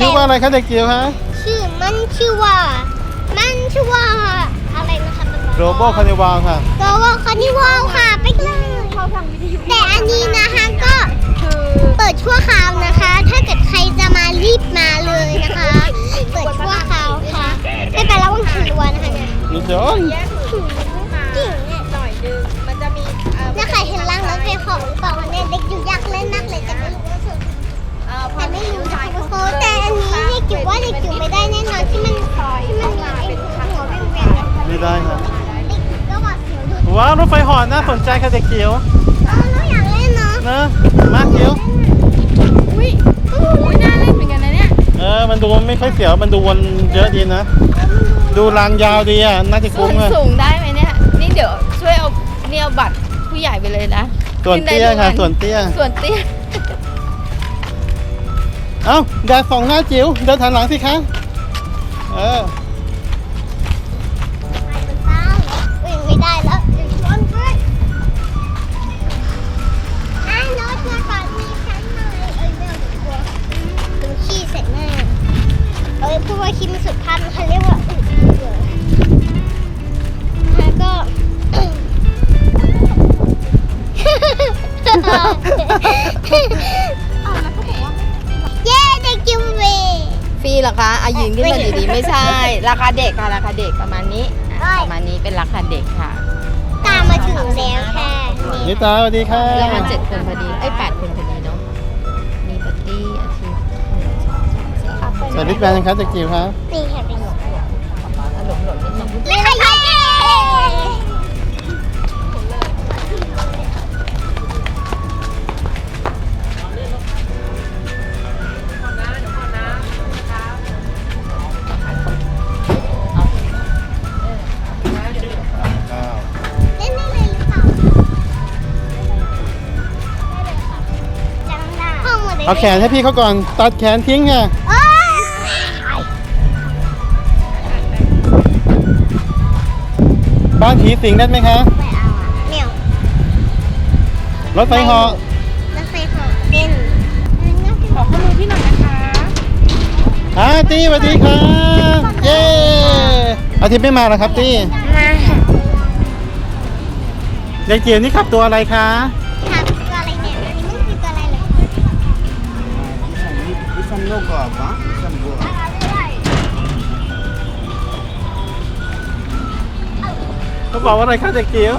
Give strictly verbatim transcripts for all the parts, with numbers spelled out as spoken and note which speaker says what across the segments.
Speaker 1: ชื่อว่าอะไรคะเด็กจิ๋วคะ
Speaker 2: ชื่อมันชื่อว่ามันชื่อว่าอะไรนะคะ
Speaker 1: โรโบคานิวาลค่ะ
Speaker 2: โรโบคานิวาลค่ะไปเลยแต่อันนี้นะคะก็เปิดชั่วคราวนะคะ ถ้าเกิดใครจะมารีบมาเลยนะคะ เปิดชั่วคราวค่ะไม่ไประวังถือวันนะคะเนี่ย
Speaker 1: มีจอน
Speaker 2: จริงเนี่ยหน่อยนึงมันจะมีถ้าใครเห็นร่างรถไฟของหรือเปล่าเนี่ยเด็กอยู่อยากเล่นมากเลยแต่ไม่รู้ว่าสุดแต่ไม่รู้นะคะโค้แต่อันนี้เด็กจิ๋วว่าเด็กจิ๋วไม่ได้แน่นอนที่มันที่มันมีไอ้หัวเวียนๆ
Speaker 1: ไม่ได้ครับ
Speaker 2: เด็กจิ๋วก็หวาดเสียวดู
Speaker 1: ว้าวรถไฟเหาะน่าสนใจค่ะเด็กจิ๋ว
Speaker 2: เออเราอยากเล่นเนาะ
Speaker 1: นะมากจิ๋ว
Speaker 3: อุ้ยอุ้ยน่าเล่นเหมือนกันนะเนี่ย
Speaker 1: เออมันดูไม่ค่อยเสียวมันดูวนเยอะดีนะดูรางยาวดีอ่ะน่าจะคุ้มเลย
Speaker 3: สูงได้ไหมเนี่ยนี่เดี๋ยวช่วยเอาเนี่ยเอาบัตรผู้ใหญ่ไปเลยนะ
Speaker 1: ส่วนเตี้ยค่ะส่วนเตี้ย
Speaker 3: ส่วนเตี้ย
Speaker 1: เอ้าแดดส่องหน้าจิ๋วเดินหันหลังสิคะเออ
Speaker 2: ไม่ได้แล้วเดี๋ยวชนด้วยอ่ะรถมาก่อนมีฉันหน่อยเอ้ยไม่เอาดีกว่าดูขี้เสร็จแน่เอ้ยพูดว่าขี้มันสุดพันเขาเรียกว่าอึแล้วก็เย้เด็กจิ๋วเว
Speaker 3: ฟรีเหรอคะอายืนขึ้นมาดีๆไม่ใช่ราคาเด็กค่ะราคาเด็กประมาณนี้ประมาณนี้เป็นราคาเด็กค่ะ
Speaker 2: ตามมาถึงแล้วแค่
Speaker 1: นิตาสวัสดีค่ะ
Speaker 3: แล้วมันเจ็ดคนพอดีไอ้แปดคนพอดีเนาะมีปาร์ตี้อาทิตย์
Speaker 1: ใส่ลิปแบนยังคะเด็กจิ๋วครับ
Speaker 2: นี่ค่ะเป็นหลง
Speaker 3: หลงหลงนิดนึง
Speaker 2: เลยค่ะเย้
Speaker 1: เอาแขนให้พี่เขาก่อนตัดแขนทิ้งค่ะบ้านผีสิงได้ไหมคะ
Speaker 2: ไม่เอาอ่ะเหนียว
Speaker 1: รถไฟเหาะ
Speaker 2: รถไฟเหาะเต้น
Speaker 3: ขอข้อมือพี่หน่อยนะคะ
Speaker 1: อาตี้สวัสดีค่ะเย้อาทิตย์ไม่มาแล้วครับตี้
Speaker 2: มาค่ะ
Speaker 1: เด็กจิ๋วนี่ขับตัวอะไรคะ
Speaker 2: ขับตัวอะไรเนี่ยอันนี้มันคือตัวอะไรเลย
Speaker 4: Isan logo apa? Isan gua.
Speaker 1: เขาบอกว่าอะไรคะเด็กจิ๋ว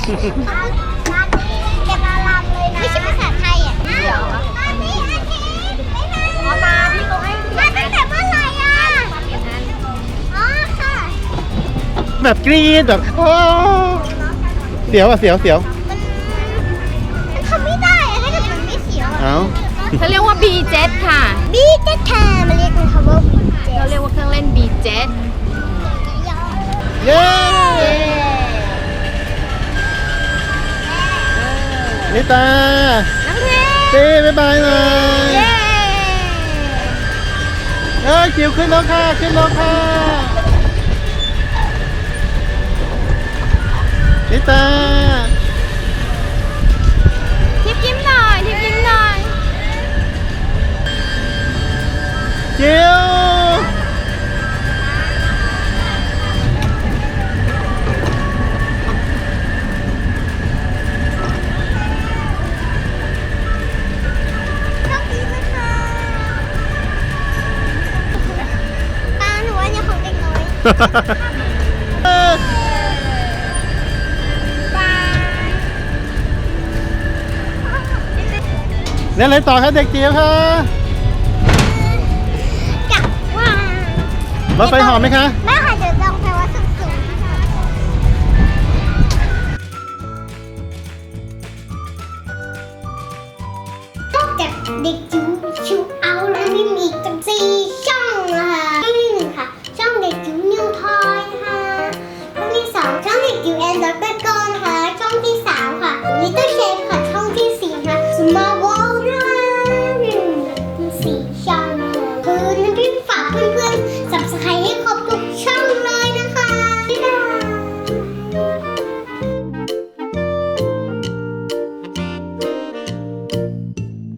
Speaker 2: จะมาลำเลยนะไม่ใช่ภาษาไทยอ่ะเดี๋ยวอันนี้อาทิตย์ไม่มาอ๋อมาพี่เขาให้มาตั้งแต่เมื่อไหร่อ่ะอ๋อค่ะ
Speaker 1: แบบกรี๊ดแบบโอ้เสียวอ่ะเสียวเสียว
Speaker 2: มันมันทำไม่ได้อะถ้าเกิดมันไม่เสียวอ่ะ
Speaker 1: เอ้า
Speaker 3: เขาเรียกว่า บี เจ็ด ค่ะ
Speaker 2: บี เจ็ด ค่ะมันเรียกมันคำว่า บี เจ็ด
Speaker 3: เราเรียกว่าเครื่องเล่น บี เจ็ด
Speaker 1: เย้นิตา
Speaker 3: น้องเพ
Speaker 1: เต้บ๊ายบายหน่อยเอ้ยจิ๋วขึ้นแล้วค่ะขึ้นแล้วค่ะนิตา
Speaker 3: ทิปยิ้มหน่อยทิปยิ้มหน่อย
Speaker 1: จิ๋ว
Speaker 2: ป้าหนูว่าเนี่ยของเด็กน้อย
Speaker 1: เล่นอะไรต่อครับเด็กจิ๋วค่ะ
Speaker 2: กะว่าร
Speaker 1: ถไฟเหาะไหมคะ
Speaker 2: ไม่ค่ะเดี๋ยวลองไปว่าสูงสูงจากเด็กจิ๋วชุบ